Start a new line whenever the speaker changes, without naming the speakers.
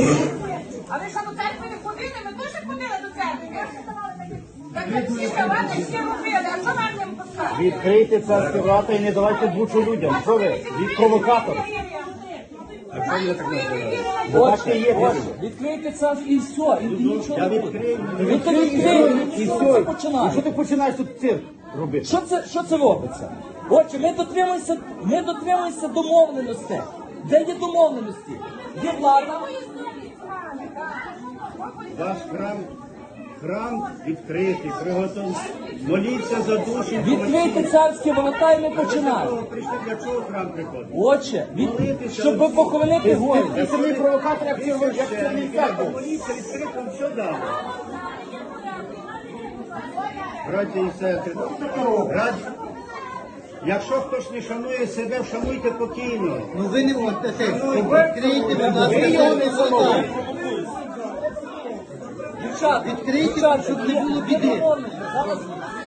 А ви що до церкви не ходили? Ми теж ходили до церкви. Так всі давати, всі робили, а що нам не пускати?
Відкрийте царські врата і не давайте бучу людям. Що ви? Від провокатор. А що ви так називаєте? Бачите, є бачите.
Відкрийте це і все, і нічого
Я
не буде.
відкрию.
Ви то відкрили,
І
і
все.
все
І
починає.
що ти починаєш тут цирк робити?
Що це робиться? Отже, ми дотримуємося домовленостей. Де є домовленості? Є влада.
Ваш храм відкритий, приготовлений. Моліться за душі.
Відкрийте царські ворота і ми починаємо.
Прийшли, для чого храм приходить?
Отже, щоб похоронити горі.
Ти самі провокатор, як це не так. Моліться, відкрито, все дали. Браті і сестри, якщо хтось не шанує себе, вшануйте покійно.
Ну ви не можете відкрийте, будь ласка,
Дівчата,
відкрийте, щоб не було біди.